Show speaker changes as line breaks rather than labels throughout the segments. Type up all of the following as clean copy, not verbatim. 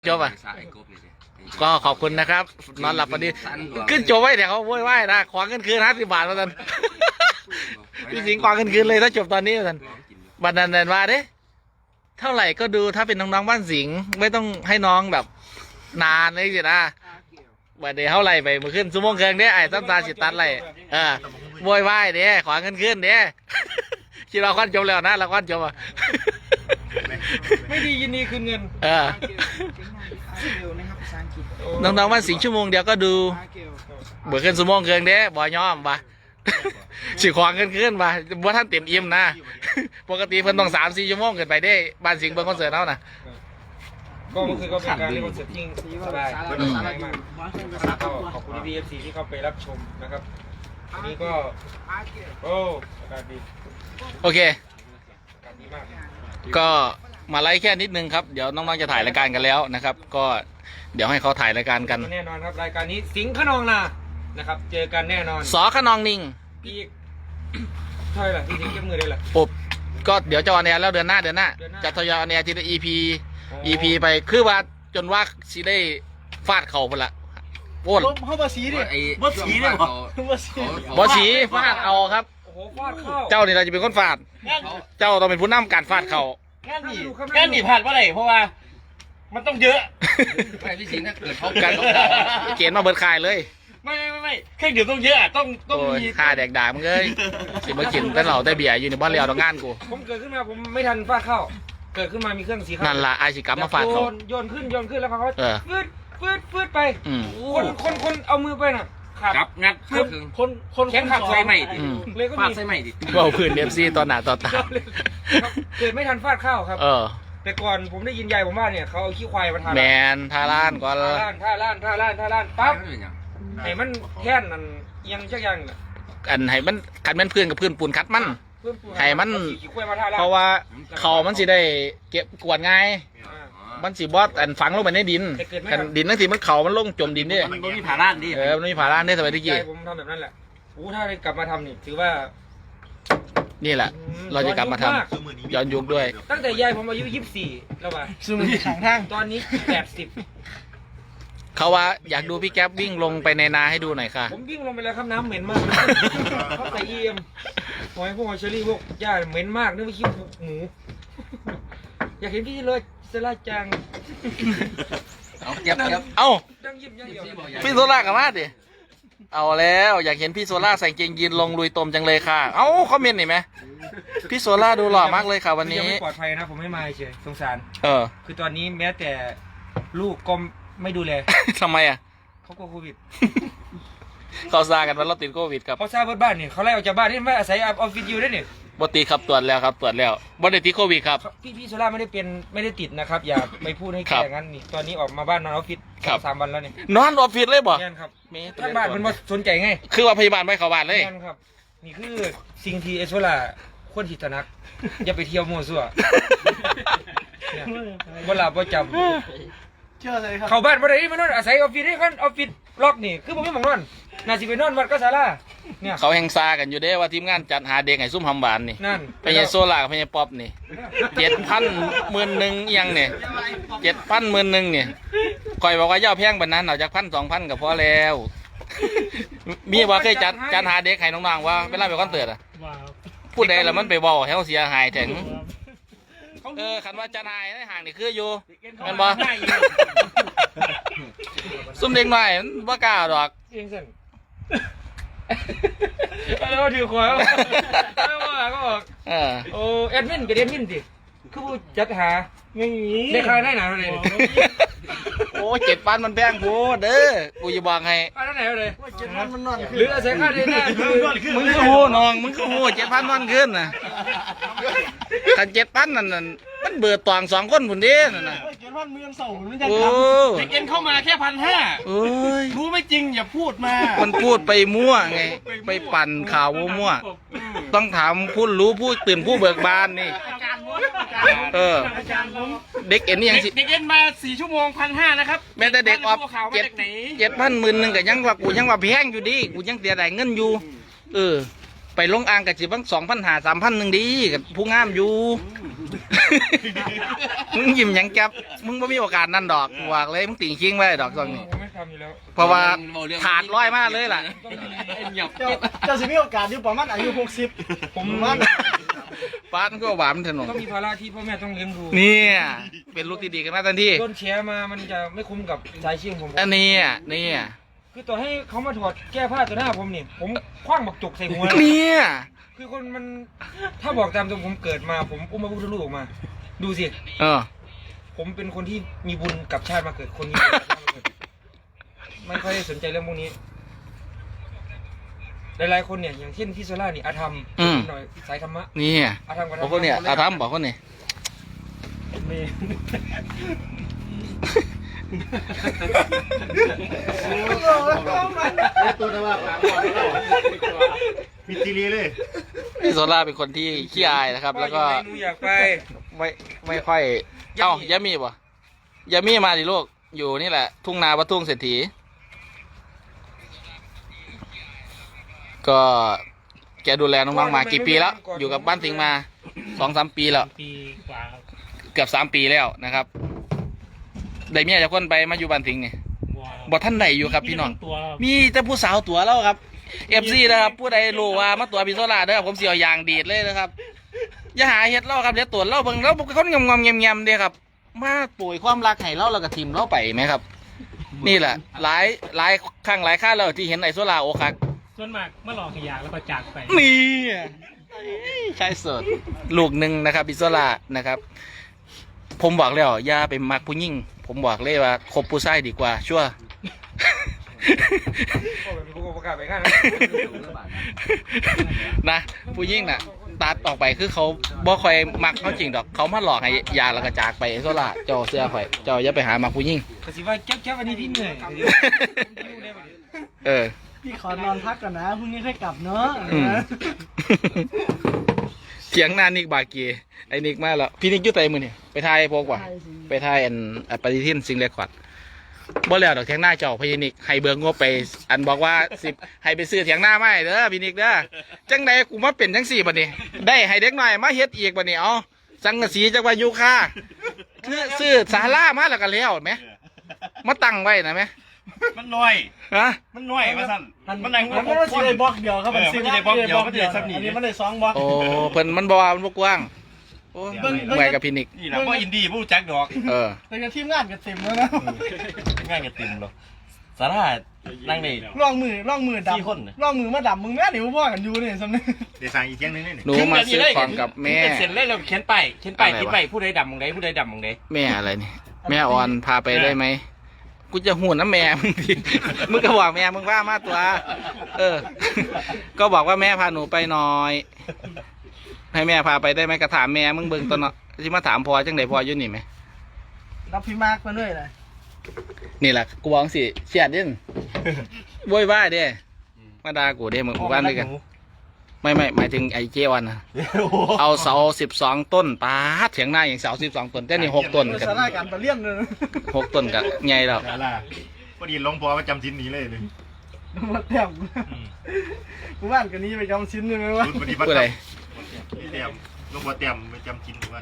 จบอ่ะก็ขอบคุณนะครับนอนหลับพอดีขึ้นจบไว้เดี๋ยวเขาโวยวายนะขวางเงินคืน50 บาทมาทันพี่สิงห์ขวางเงินคืนเลยถ้าจบตอนนี้มาทันบันนันเดินมาเด้เท่าไหร่ก็ดูถ้าเป็นน้องๆบ้านสิงห์ไม่ต้องให้น้องแบบนานเลยสินะบัดเดี๋ยวเท่าไหร่ไปมาขึ้นซูโม่งเคิงเด้ไอ้ตั้มตาสิตัดไรโวยวายเด้ขวางเงินคืนเด้คิดเราควันจบแล้วนะเราควันจบอ่ะ
ไม่ดียินดีคืนเงิน
น้องๆบ้านสิงห์ชั่วโมงเดียวก็ดูเบื่อขึ้นซูโม่งเคิงเด้บ่ยอมปะสิขวางเงินคืนมาว่าท่านเต็มอิ่มนะปกติเพิ่นต้อง3-4 ชั่วโมงเกินไปได้บ้านสิงห์เบิ่งคอนเสิร์ตเท่านะ
ก็เมื่อคืนก็เป็นการเล่นคอนเสิร์ตที่สบายมากก็ขอบคุณพี่เอฟซีที่เข้าไปรับชมนะครับอันนี้ก็โอ้อากาศดี
โอเค
อากาศดีมาก
ก็มาไลฟ์แค่นิดนึงครับเดี๋ยวน้องๆจะถ่ายรายการกันแล้วนะครับก็เดี๋ยวให้เขาถ่ายรายการกัน
แน่นอนครับรายการนี้สิงห์ขนองนานะครับเจอกันแน่นอน
สอขนองนิง
อีกเท่าไหร่ล่ะที่สิงห์เก็บมือได้ล่ะ
ปุ๊บก็เดี๋ยวจะออนแอร์แล้วเดือนหน้าจะทยอยออนแอร์ทีละ EP ไปคือว่าจนว่าสิได้ฟาดเข่าไปละโอน
เขาบอสีดิบอสีดิ
บอสีฟาดเอาครับ
โอ้โหฟาดเข้า
เจ้านี่เราจะเป็นคนฟาดเจ้าต้องเป็นผู้นำการฟาดเข่า
แค่หนีผ่านว่าไรเพราะว่ามันต้องเยอะ
ไปพี่สิงห์ถ้าเกิดเขา
กันเกณฑ์มาเบิดคายเลย
ไม่เครื่องดื่มต้องเยอะต้องมี
ค่าแดกด่ามึงเลยสิมากินแต่เหล่าแต่เบียร์อยู่ในบ้านเรียวต้องงานกู
ผมเกิดขึ้นมาผมไม่ทันฟาดเข้าเกิดขึ้นมามีเครื่องสีขาว
นั่นละไอชิกัมมาฟาดเขา
โยนขึ้นแล้วเขาฟืดไปคนเอามือไปน่ะ
ครับงัดคน
แข็งขับใส่ใหม่เลยก็มี
ใส่ใหม่ดิ
ว่าพื้นFCตอนหนาต่อตา
เกิดไม่ทันฟาดเข้าครับแต่ก่อนผมได้ยินยายผมว่าเนี่ยเขาเอาขี้ควายมาทา
แมนทาล้านก่อน
ท่าล้านปั๊บไอ้มันแค่นนั่นยังชักยัง
อันให้มันขัดมันพื้นกับพื้นปูนคัดมันให้มันเพราะว่าเขามันสิได้เก็บกวาดง่ายมันสิบอสอันฝังลงไปในดินกันดินนั่นสิมันเขามันลงจมดินนี่
มันมีผาล้านดิ
มันมีผาล้านได้สมัยที่กี้
ผมทำแบบนั้นแหละถ้าได้กลับมาทำนี่ถือว่า
นี่แหละเราจะกลับมาทำย้อนยุคด้วย
ตั้งแต่ยายผมอายุ24แล้วป่ะ
ซึ่งมันขังทาง
ตอนนี้80
เขาว่าอยากดูพี่แก๊ปวิ่งลงไปในนาให้ดูหน่อยค่ะ
ผมวิ่งลงไปแล้วครับน้ำเหม็นมากเขาใส่หอยพวกเชอรี่พวกหญ้าเหม็นมากนึกว่าขี้หมูอยากเห็นพี่เลยเซล่าจัง
เอาพี่โซล่ากับมาดิเอาแล้วอยากเห็นพี่โซล่าใส่เกงยีนลงลุยตมจังเลยค่ะเอ้าคอมเมนต์หน่อยไหมพี่โซล่าดูหล่อมากเลยค่ะวันนี้
ไม่ปลอดภัยนะผมไม่มาเฉยสงสารคือตอนนี้แม้แต่ลูกก็ไม่ดูแล
ทำไมอ่ะ
เขากลัวโควิด
เขาซากันว่าเราติดโควิดครับ
เขาซาบ้านเนี่ยเขาไล่ออกจากบ้านนี่ไม่อาศัยออฟฟิศอยู่ได้เนี่ย
บติครับตรวจแล้วครับตรวจแล้วบติดโควิดครับ
พี่โซล่าไม่ได้ติดนะครับอย่าไปพูดให้แก่งั้นนี่ตอนนี้ออกมาบ้านนอนออฟฟิศ3 วันแล้วนี่
นอนออฟฟิศเลยบ่
ครับทั้งบ้านมันสนใจไง
คือว่าพยาบาลไม่เข้าบ้านเลย
ครับนี่คือสิ่งที่โซล่าควรที่จะนักอย่าไปเที่ยวมั่วซั่วบ่หลับบ่จำเข้าบ้านบ่ได้มานอนอาศัยออฟฟิศนี่คันออฟฟิศล็อกนี่คือผมไม่มองนอนน่าสิไปนอนวัดก็ศาลาเนี่ย
เขาแห่งซากันอยู่เด้ว่าทีมงานจัดหาเด็กให้ซุ่มหำบานนี่
นั่น
ไปยังโซล่ากับไปยังป๊อปนี่7,000 11,000ยังเนี่ย7,000 11,000เนี่ยคอยบอกว่าย่อแพงแบบนั้นเอาจาก1,000 2,000ก็พอแล้วมีว่าเคยจัดหาเด็กให้น้องๆว่าเวลาไปคอนเสิร์ตอ่ะพูดได้แล้วมันไปบอกให้เขาเสียหายถึงคันว่าจัดหายในห่างนี่คืออยู่แม่นบ่ซุ่มเด็กหน่อยมันบ่กล้าดอก
แล้วถือขวานแล้วว่าก็ออกโอ้แอดมินกับแอดมินสิคือผู้จัดหาได้ค่าได้หนาเท่าไหร่
โอ้7,000มันแพงโพดเด้อกูจะบอกให้
ค่าเท่าไหร่เลย
7,000มันนอน
หรืออาศัยค่าได้หน้าคือ
มึงก็โหน้องมึงก็โห7,000นอนขึ้นน่ะคัน7,000นั่นมันเบิดตอง2 คนพุ่นเด้นั่นน่ะ
7,000มือเสามันจะทำเด็กเอ็นเข้ามาแค่1,500รู้ไม่จริงอย่าพูดมา
มันพูดไปมั่วไงไปปั่นข่าวมั่วต้องถามผู้รู้ผู้ตื่นผู้เบิกบานนี่เด็กเอ็นนี่ยัง
เด็กเอ็นมา4 ชั่วโมง1,500นะครับ
แม้แต่เด็กออฟ7,000 10,000กับยังว่ากูยังว่าแพงอยู่ดิกูยังเสียดายเงินอยู่ไปลงอ่างกับจีบัง2,500-3,000นึงดีกับผู้งามอยู่ มึงยิ้มหยังแก๊บมึงไม่มีโอกาสนั่นดอกบอกเลยมึงติ่งชิงไว้ดอกตรงนี้
ผมไม่ทำอยู่แล้ว
เพราะว่าขาดร้อยมากเลยล่ะ
เจ้าสิมีโอกาสอยู่ประมาณอายุ60ผมว่า
ป้าต้องก็หวานถนน
ต้องมีภาระที่พ่อแม่ต้องเลี้ยงดู
เนี่ยเป็นลูกที่ดีกันมาทันที
โดนแชร์มามันจะไม่คุ้มกับสายชิงผม
อันนี้นี่
คือต่อให้เขามาถอดแก้ผ้าต่อหน้าผมนี่ผมคว้างบักจุกใส่หัว
เนี่ย
คือคนมันถ้าบอกตามตรงผมเกิดมาผมอุ้มมาพุทธลูกออกมา ดูสิ
เออ
ผมเป็นคนที่มีบุญกับชาติมาเกิดคนมีบุญกับชาติมาเกิดไม่ค่อยได้สนใจเรื่องพวกนี้หลายๆคนเนี่ยอย่างเช่นพี่โซล่านี่อาธรรมหน่อยสายธรรมะ
นี่
อาธรรมกับ
บอกคนเนี่ยอาทำบอกคนเนี่ย
ตัวแต่ว่ามีทีรีเลย
พี่โซล่าเป็นคนที่ขี้อายนะครับ แล้วก็
หนูอยากไป
ไม่ค่อยเอ้ายามีป่ะยามีมาดิลูกอยู่นี่แหละ ทุ่งนาวัดทุ่งเศรษฐีก็แกดูแลน้องๆมากี่ปีแล้ว อยู่กับบ้านสิงห์มา 2-3 ปีแล้ว
ปีกว่า
เกือบ3 ปีแล้วนะครับได้เมียจะคนไปมาอยู่บ้านสิงห์นี่บ่ท่านไหนอยู่ครับพี่น้อง
ตัว
มีแต่ผู้สาวตัวแล้วครับFC นะครับผู้ใดรู้ว่ามาตัวพี่โซล่าเด้อผมเสียวยางดีดเลยนะครับอย่าหาเฮ็ดเล่าครับเดี๋ยวตัวเล่าเบิ่งแล้วเขางอมๆแงมๆเด้ครับมาป่วยความรักให้เล่าแล้วก็ทิมเล่าไปไหมครับ นี่แหละหลายครั้งหลายคราแล้วที่เห็นไอ้โซล่าโอคัก
ส่วนมากมาหลอกขยะแล้วก็จากไป
นี่ใช่สุดลูกหนึ่งนะครับพี่โซล่านะครับ ผมบอกแล้วอย่าไปมักผู้หญิงผมบอกเลยว่าคบผู้ชายดีกว่าชัวร์
พ่อเป็นผู้ประกาศไปข้าง
นะผู้หญิงน่ะตัดออกไปคือเขาบ่ค่อยมักเขาจริงดอกเขามาหลอกให้ยาแล้วก็จากไปโซล่าเจ้าเสื้อข่อยเจ้าอย่าไปหามักผู้หญิง
กสิว่าแก๊บอันนี้พี่เหนื่อย
เออ
พี่ขอนอนพักก่อนนะพรุ่งนี้ค่อยกลับเนาะ
อืม เถียงหน้านิกบาเกีไอ้นิกมาแล้วพี่นิกอยุ่ไตมือนี่ไปทายพวกว่าไปทายอันปฏิทินซิงเรคคอร์ดบ่แล้วดอกเถียงหน้าเจ้าพญานิกให้เบิกงบไปอันบอกว่า10ให้ไปซื้อเถียงหน้าไม่เด้อพี่นิกเด้อจังใดกูมาเป็นจังสี่บัดนี้ได้ให้เด็กหน่อยมาเฮ็ดอีกบัดนี้เอาสังกะสีจักว่ายูคาคือซื้อศาลามาแล้วก็แล้วแหมมาตั้งไว้นะแหม
มันน้อย
ฮะ
มันน้อยมาสั่นมันนั่ง
มันไม่ได้ซื้อได้บล็อกเดียวครับมันซื้อได้บล็อกเดียวอันนี้มันได้2บล็อก
โอ้เพิ่นมันบ่ว่ามันบ่กว้างโอ้เมื่อยกับพี่นิก
นี่แหละว่าอินดี้ผู้จักดอก
เออ
แต่กับทีมงานก็เต็มแล้วนะ
ง่ายกับติมหรอสารานั่งนี่
ร่องมือด
4 คน
ำร่องมือมาดำมึงแม่เดี๋ยวพ่อกันอยู่นี่สำนึก
เดี๋ยวสั่งอีกเที่ยงนึงนี่
หนูมาซื้อของกับแม่
เสร็จเลยเราเขียนไปติดไปผู้ใดดำมองใดผู้ใดดำมองใด
แม่อะไรนี่แม่ออนพาไปได้ไหมกูจะหูน้ำแม่มึงดิมึงก็บอกแม่มึงว่ามาตัว เออ ก็บอกว่าแม่พาหนูไปหน่อย ให้แม่พาไปได้ไหมก็ถามแม่มึงเบิ่งตอนเนาะที่มาถามพอจังไดพออยู่นี่ไหม
รับพี่มาร์กมาด้วยเลย
นี่แหละกูบอกสิเสียดดินโวยวายเด้มาด่ากูเด้มึงบ้านด้วยกัน ไม่หมายถึงไอ้เจวันนะเอาเสา12 ต้นปาดเถียงหน้าอย่างเสา12 ต้นแต่นี่6 ต้นกัน
สาราการประเลี่ยนเลย
6 ต้นกับใหญ่แล้ว
ดาราพอดีลงพอประจำชิ้นนี้เลยเลย
มาเต็มกูบ้านกันนี้ไปจำชิ้นหนึ่งเลยวะ
รุ่นปฏิบัติ
ผู้ใด
เต็มลงพอเต็มประจำชิ้นทุกวัน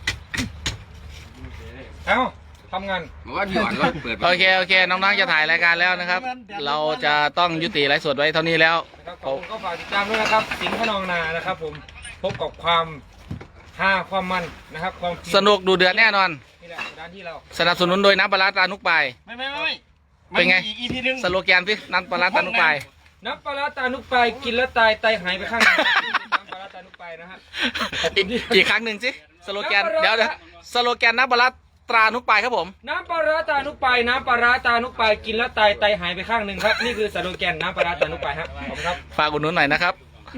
เอ้าทำงาน
โอเคน้องๆจะถ่ายรายการแล้วนะครับ เราจะต้องยุติไลฟ์สดไว้เท่านี้แล้ว
นะครับผมก็ฝากติดตามด้วยนะครับสิงห์ขนองนานะครับผมพบกับความฮาความมันนะครับความ
สนุกดูเดือดแน่นอน
นี่แหละร้านที่เรา
สนับสนุนโดยน้ำปลาร้าตรานุกปลาย
ไม่
เป็นไง
อีพีนึง
สโลแกนสิน้ำปลาร้าตรานุกปลาย
น้ำปลาร้าตานุกไปกินแล้วตายไตหายไปข้างหนึงน้ำปลาร้าตานุกไปนะฮะ
อีกครั้งหนึ่งสิสโลแกนเดี๋ยวสโลแกนน้ำปลาร้าตรานุกปลายครับผม
น้ำปลาร้าตานุกไปน้ำปลาร้าตานุกไปกินแล้วตายไตหายไปข้างหนึ่งครับนี่คือสโลแกนน้ำปลาร้าตานุกไปครับขอบคุณครับ
ฝากอุดหนุนหน่อยนะครับ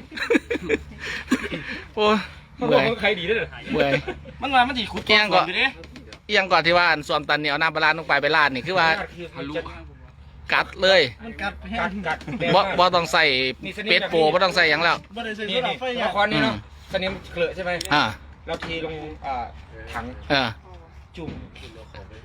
โอ้ย
เขาบ
เมื่
อ
อก ย
ว่าใครดีด้วยเหรอ
เมื่อย
มันมามันจีขุด
เกี่ยงก่อน
อยู่ดิ
เอียงก่อนที่ว่าอันส่วนตันเนี่ยเอาน้ำปลาร้านุกปลายไปราดนี่คือว่ากัดเลย
มันกัดแห้
กั
ง
ดกัด
บ่ต้องใส่เป็ดโปบ่ต้องใส่หยังแล้ว
บ่ได้ซื้อ
นี่
สลั
นี่
บไฟ
ละครนี่เนาะสนิมเกลือะใช่ไหม
อ่า
เราเทลงถัง
เออ
จุ่ม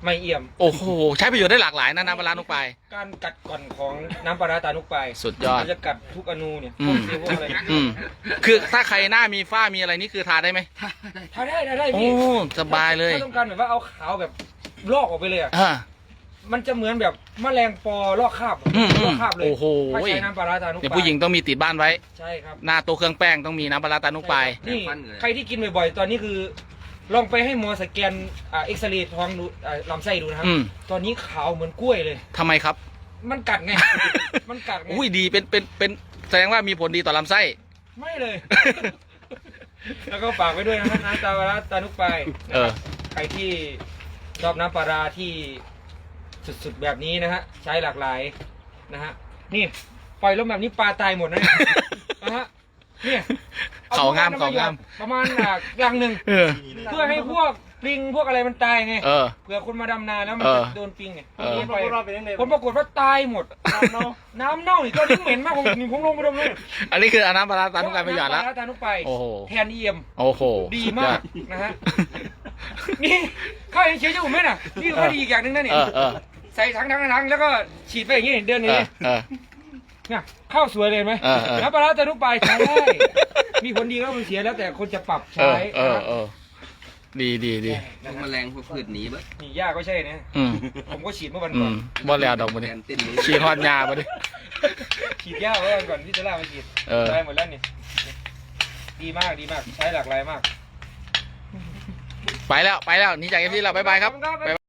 ไม่เอี่ยม
โอ้โหใช้ประโยชน์ได้หลากหลายนะน้ำปลาร้านุกปลาย
การกัดก่อนของน้ำปลาร้าตานุกไป
สุดยอด
มันจะกัดทุกอนูเนี่ย
อื
พว
ม
กเซลล์พวกอะไร
อืมคือถ้าใครหน้ามีฝ้ามีอะไรนี่คือทาได้ไหม
ทาได้
โอ้
พี่
สบายเลย
ถ้าต้องการแบบว่าเอาขาวแบบลอกออกไปเลยอ่ะ
อ่า
มันจะเหมือนแบบแมลงปอลอกคราบ
อืม
ลอกคราบเลย
โอ้โห
ถ้าใช้น้ำปลาร้าตานุก
เนี่ย
ไป
ผู้หญิงต้องมีติดบ้านไว้
ใช่ครับ
หน้าโต๊ะเครื่องแป้งต้องมีน้ำปลาร้าตานุกปลาย
นี่ใครที่กินบ่อยๆ ตอนนี้คือ ลองไปให้หมอสแกนเอ็กซเรย์ท้องดูลำไส้ดูนะครับ
อืม
ตอนนี้ขาวเหมือนกล้วยเลย
ทำไมครับ
มันกัดไง มันกัดไง
อุ้ยดีเป็นแสดงว่ามีผลดีต่อลำไส้
ไม่เลย แล้วก็ฝากไว้ด้วยนะครับน้ำปลาร้าตานุกไป
เออ
ใครที่ชอบน้ำปลาร้าที่สุดๆแบบนี้นะฮะใช้หลากหลายนะฮะนี่ปล่อยลมแบบนี้ปลาตายหมดนะเนี่ยนะฮะเนี่ย
เขางาม
อ
เขางาม
ประมาณรังหนึ่ง
เออ
เพื่อให้พวกปลิงพวกอะไรมันตายไง
เออ
เผื่อคนมาดำนาแล้วมัน
เออ
จะโดนปลิงไง
เออ
ผ
พวกเราเป็นยังไง
ลปรากฏว่าตายหมดน้ำเน่านี่ตอนนี้เหม็นมากผมลงไปดมเลย
อันนี้คือเอาน้ำปลาร้าตานุกปลายไปหยอดแล้ว
น้ำปลาร้าตานุกไป
โอ้โห
แทนเอี่ยม
โอ้โห
ดีมากนะฮะ นี่ข้าวเฉยๆอยู่ไหมน่ะนี่ก็ดีอีกอย่างหนึงนะเนี่ย
เออ
ใส่ถังแล้วก็ฉีดไปอย่างนี้เดินอย่างนี้
เออ
เนี่ยข้าวสวยเลยไหม
เออ
น้ำปลาร้าตานุกไปใช้ได้ มีผลดีก็มันเสียแล้วแต่คนจะปรับ
เอ
ใช้
อเออดี
พวกแมลงพวกพืชหนีเบ้
นี่ย่าก็ใช่นะ
อืม
ผมก็ฉีดเมื่อวัน
อื
ก่อน
มบ่แล้วดอกบ่
แท
นี่
นติ้นนี้
ฉีดฮอดยาบ่ดิ
ฉีดย่าเมื่อวันก่อนที่จะล่ามาฉีด
เออ
ได้หมดแล้วนี่ดีมากใช้หลากหลายมาก
ไปแล้วหนี่จากเอฟซีแล้วบ๊ายบายครับ
ขอณ